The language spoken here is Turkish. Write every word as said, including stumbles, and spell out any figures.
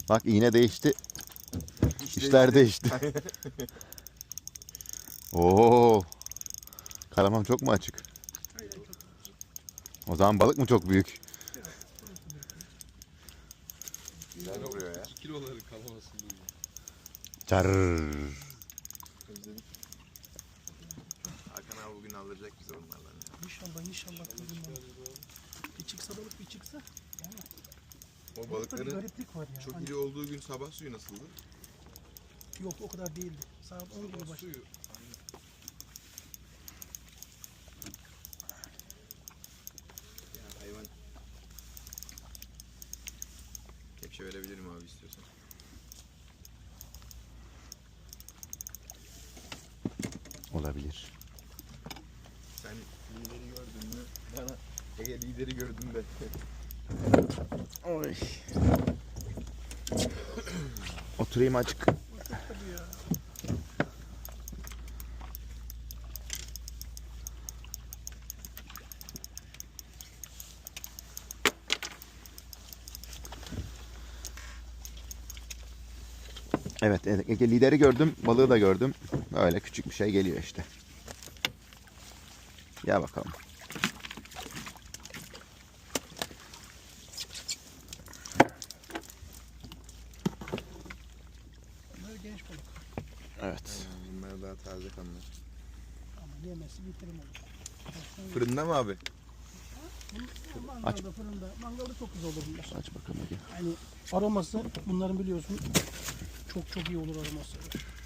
Bak iğne değişti. İş İşler değişti. Oo. Kalamam çok mu açık? Aynen çok. O zaman balık mı çok büyük? Güzel oluyor ya. iki kiloları kalamasın diye. Çar. Özledik. Hakan abi bugün aldıracak bize onlardan ya. İnşallah inşallah. Bir çıksa balık bir çıksa. Yani O balıkta bir balıkların gariplik var ya. çok Hani iri olduğu gün sabah suyu nasıldı? yok o kadar değildi. Saat on gibi başladı. Suyu. Ya hayvan. Kepçe verebilirim abi istiyorsan. Olabilir. Sen lideri gördün mü? Bana Ege lideri gördün de. Oy. Oturayım açık. Tabii ya. Evet, evet, Ege lideri gördüm, balığı da gördüm. Böyle küçük bir şey geliyor işte. Gel bakalım. Bunlar genç balık. Evet. Bunlar daha taze kanlar. Ama yemesi bitirim olur. Fırında mı abi? Mangalda fırında. Mangalda çok güzel olur bunlar. Aç bakalım Ege. Yani aroması bunların biliyorsun çok çok iyi olur aroması.